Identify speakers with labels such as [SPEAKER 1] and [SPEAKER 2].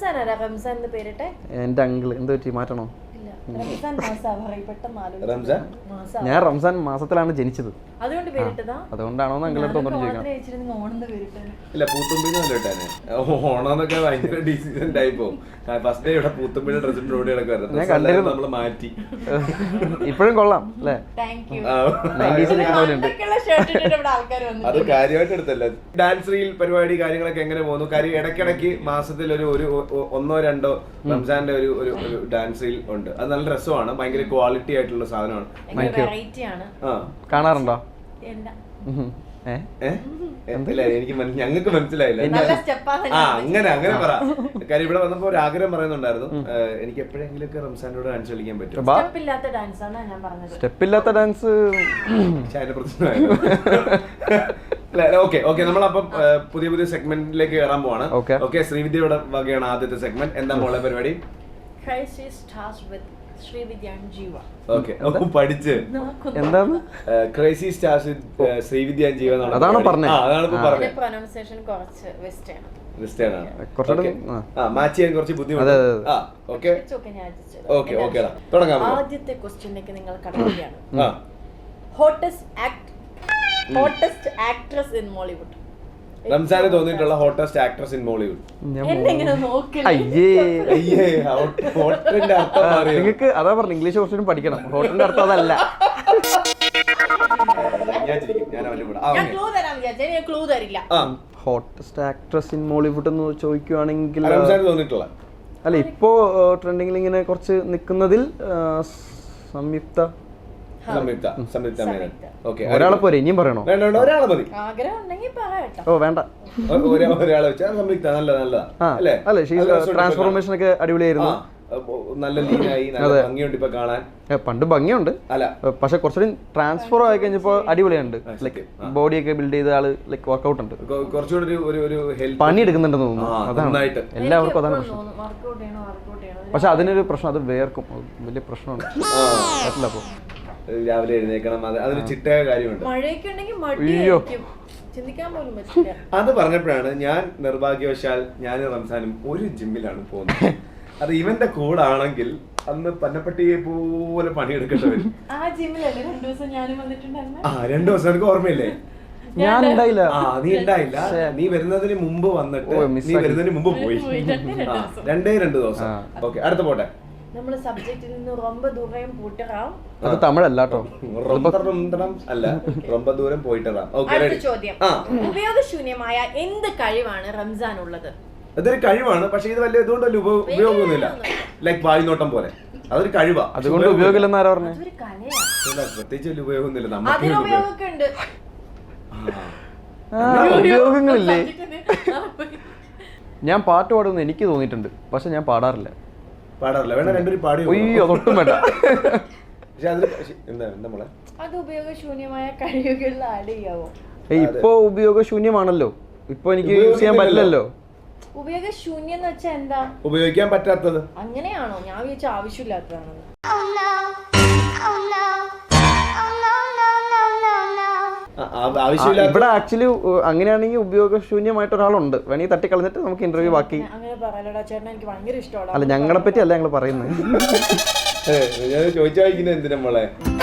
[SPEAKER 1] റംസാൻ എന്ന് പേരിട്ടെ?
[SPEAKER 2] എന്റെ അങ്കിള് എന്ത് പറ്റി മാറ്റണോ?
[SPEAKER 3] ഞാൻ
[SPEAKER 2] റംസാൻ മാസത്തിലാണ് ജനിച്ചത്,
[SPEAKER 1] അതുകൊണ്ട് പേരിട്ടതാ.
[SPEAKER 2] അതുകൊണ്ടാണോ അങ്കിളടുത്ത് ഒന്നും ചോദിക്കണം.
[SPEAKER 3] ഇല്ല പൂത്തുമ്പിന്ന് വല്ലോട്ടാണ് ഓണമെന്നൊക്കെ ഭയങ്കര ഡീസന്റ് ആയി പോകും. ഫസ്റ്റ് ഡേ ഇവിടെ പൂത്തുമ്പിയുടെ ഡ്രസ്സിന്റെ ഓടി കിടക്കുമായിരുന്നു, നമ്മള് മാറ്റി.
[SPEAKER 2] ഇപ്പോഴും കൊള്ളാം അല്ലേ?
[SPEAKER 3] അത് കാര്യമായിട്ട് എടുത്തല്ല. ഡാൻസ് റീൽ പരിപാടി കാര്യങ്ങളൊക്കെ എങ്ങനെ പോകുന്നു? കാര്യം ഇടയ്ക്കിടയ്ക്ക് മാസത്തിൽ ഒരു 1-2 റംസാന്റെ ഒരു ഡാൻസ് റീൽ ഉണ്ട്. അത് നല്ല രസമാണ്, ഭയങ്കര ക്വാളിറ്റി ആയിട്ടുള്ള സാധനമാണ്.
[SPEAKER 2] കാണാറുണ്ടോ?
[SPEAKER 3] എനിക്ക് ഞങ്ങൾക്ക് മനസ്സിലായില്ല. അങ്ങനെ പറ. കാര്യം ഇവിടെ വന്നപ്പോ ഒരു ആഗ്രഹം പറയുന്നുണ്ടായിരുന്നു, എനിക്ക് എപ്പോഴെങ്കിലും ഒക്കെ റംസാനോട് ഡാൻസ് കളിക്കാൻ പറ്റും.
[SPEAKER 2] സ്റ്റെപ്പില്ലാത്ത ഡാൻസ്
[SPEAKER 3] അതിന്റെ പ്രശ്നമായിരുന്നു. ഓക്കെ നമ്മളപ്പം പുതിയ സെഗ്മെന്റിലേക്ക് കയറാൻ പോവാണ്. ഓക്കെ ശ്രീവിദ്യയുടെ വകയാണ് ആദ്യത്തെ സെഗ്മെന്റ്. എന്താ മോളെ പരിപാടി? പഠിച്ച്
[SPEAKER 2] എന്താണ്
[SPEAKER 3] crazy stars with Srividya and Jeeva?
[SPEAKER 2] അതാണ് പറഞ്ഞത്.
[SPEAKER 3] മാച്ച് ചെയ്യാൻ കുറച്ച് ബുദ്ധിമുട്ട്. തുടങ്ങാം.
[SPEAKER 1] ആദ്യത്തെ ക്വസ്റ്റ്യനിലേക്ക് നിങ്ങൾ കടക്കുകയാണ്. Hottest actress in Mollywood.
[SPEAKER 3] റംസാന് തോന്നിയിട്ടുള്ള ഹോട്ടസ്റ്റ് ആക്ട്രസ് ഇൻ മോളിവുഡ്.
[SPEAKER 2] നിങ്ങൾക്ക് അതാ പറഞ്ഞു, ഇംഗ്ലീഷ് കുറച്ചും പഠിക്കണം. ഹോട്ടലിന്റെ അർത്ഥം അതല്ല. ഹോട്ടസ്റ്റ് ആക്ട്രസ് ഇൻ മോളിവുഡ് എന്ന് ചോദിക്കുവാണെങ്കിൽ അല്ല, ഇപ്പോ ട്രെൻഡിങ്ങിൽ ഇങ്ങനെ കുറച്ച് നിൽക്കുന്നതിൽ സംയുക്ത ഒരാളെ പോരെ, ഇനിയും പറയണോ?
[SPEAKER 3] ഒരാളെ മതി.
[SPEAKER 2] ഓ വേണ്ട,
[SPEAKER 3] ഒരാളെ വെച്ചാൽ സംയുക്ത നല്ലതാ അല്ലേ?
[SPEAKER 2] ട്രാൻസ്ഫോർമേഷൻ ഒക്കെ അടിപൊളിയായിരുന്നു.
[SPEAKER 3] നല്ല ലീനായി, നല്ല ഭംഗിയുണ്ട് ഇപ്പൊ കാണാൻ.
[SPEAKER 2] പണ്ട് ഭംഗിയുണ്ട്, അല്ല പക്ഷെ കുറച്ചുകൂടി ട്രാൻസ്ഫർ ആയി കഴിഞ്ഞപ്പോ അടിപൊളിയുണ്ട്. ലൈക്ക് ബോഡി ഒക്കെ ബിൽഡ് ചെയ്ത ആള്, ലൈക്ക് വർക്ക്ഔട്ട് ഉണ്ട്,
[SPEAKER 3] കുറച്ചുകൂടി ഒരു
[SPEAKER 2] പണി എടുക്കുന്നുണ്ടെന്ന് തോന്നുന്നു. അതാണ് എല്ലാവർക്കും അതാണ് പ്രശ്നം. പക്ഷെ അതിനൊരു പ്രശ്നം, അത് വേർക്കും, വലിയ പ്രശ്നമാണ്. അപ്പൊ
[SPEAKER 3] രാവിലെ എഴുന്നേക്കണം, അതൊരു ചിട്ടയ കാര്യമുണ്ട്. അത് പറഞ്ഞപ്പോഴാണ് ഞാൻ നിർഭാഗ്യവശാൽ ഞാനും റംസാനും ഒരു ജിമ്മിലാണ് പോകുന്നത്. അത് ഇവന്റെ കൂടാണെങ്കിൽ അന്ന് പന്നപ്പട്ടിയെ പോലെ പണിയെടുക്കേണ്ടി വരും. 2 ദിവസം എനിക്ക് ഓർമ്മയില്ലേ?
[SPEAKER 2] ഞാൻ ഉണ്ടായില്ല.
[SPEAKER 3] നീ ഉണ്ടായില്ല, നീ വരുന്നതിന് മുമ്പ് വന്നിട്ട് നീ വരുന്നതിന് മുമ്പ് പോയി. 2 ദിവസം. ഓക്കെ, അടുത്ത പോട്ടെ.
[SPEAKER 1] നമ്മള് സബ്ജക്റ്റിൽ നിന്ന് ரொம்ப ദൂരം പോയിട്ടറാം.
[SPEAKER 2] അത് തമിഴല്ല കേട്ടോ,
[SPEAKER 3] അല്ല ரொம்ப ദൂരം പോയിട്ടറാം.
[SPEAKER 1] അടുത്ത ചോദ്യം, ഉപയോഗശൂന്യമായ എന്ത് കഴിവാണ് റംസാൻ ഉള്ളത്?
[SPEAKER 3] അതൊരു കഴിവാണ്, പക്ഷെ ഇത് വലിയ ഇതുകൊണ്ട് വലിയ ഉപയോഗമൊന്നുമില്ല. ലൈക്ക് വായുനോട്ടം പോലെ, അതൊരു കഴിവാ.
[SPEAKER 2] അതുകൊണ്ട് ഉപയോഗമില്ലെന്ന് ആരാ പറഞ്ഞു?
[SPEAKER 3] പ്രത്യേകിച്ച് വലിയ ഉപയോഗമൊന്നുമില്ല.
[SPEAKER 2] ഉപയോഗങ്ങളില്ലേ? ഞാൻ പാട്ട് പാടുമെന്ന് എനിക്ക് തോന്നിയിട്ടുണ്ട്, പക്ഷെ ഞാൻ പാടാറില്ല.
[SPEAKER 3] വേണ്ട, രണ്ടുപേരും പാടി.
[SPEAKER 2] അയ്യോ അതൊട്ടും വേണ്ട.
[SPEAKER 1] അത് ഉപയോഗശൂന്യമായ കഴിവുകളിൽ ആഡ് ചെയ്യാവോ?
[SPEAKER 2] ഇപ്പൊ ഉപയോഗശൂന്യമാണല്ലോ, ഇപ്പൊ എനിക്ക് യൂസ് ചെയ്യാൻ പറ്റില്ലല്ലോ.
[SPEAKER 1] ഉപയോഗശൂന്യം എന്ന് വെച്ചാൽ എന്താ?
[SPEAKER 3] ഉപയോഗിക്കാൻ പറ്റാത്തത്.
[SPEAKER 1] അങ്ങനെയാണോ? ഞാൻ വിചാരിച്ച ആവശ്യമില്ലാത്തതാണെന്ന്.
[SPEAKER 2] ഇവിടെ ആക്ച്വലി അങ്ങനെയാണെങ്കിൽ ഉപയോഗശൂന്യമായിട്ട് ഒരാളുണ്ട്, വേണമെങ്കിൽ തട്ടിക്കളഞ്ഞിട്ട് നമുക്ക് ഇന്റർവ്യൂ ബാക്കി.
[SPEAKER 1] എനിക്ക് ഭയങ്കര ഇഷ്ടമാണ്.
[SPEAKER 2] അല്ല ഞങ്ങളെ പറ്റി അല്ല ഞങ്ങൾ പറയുന്നത്.
[SPEAKER 3] ചോദിച്ചാൽ എന്തിനാ മോളെ?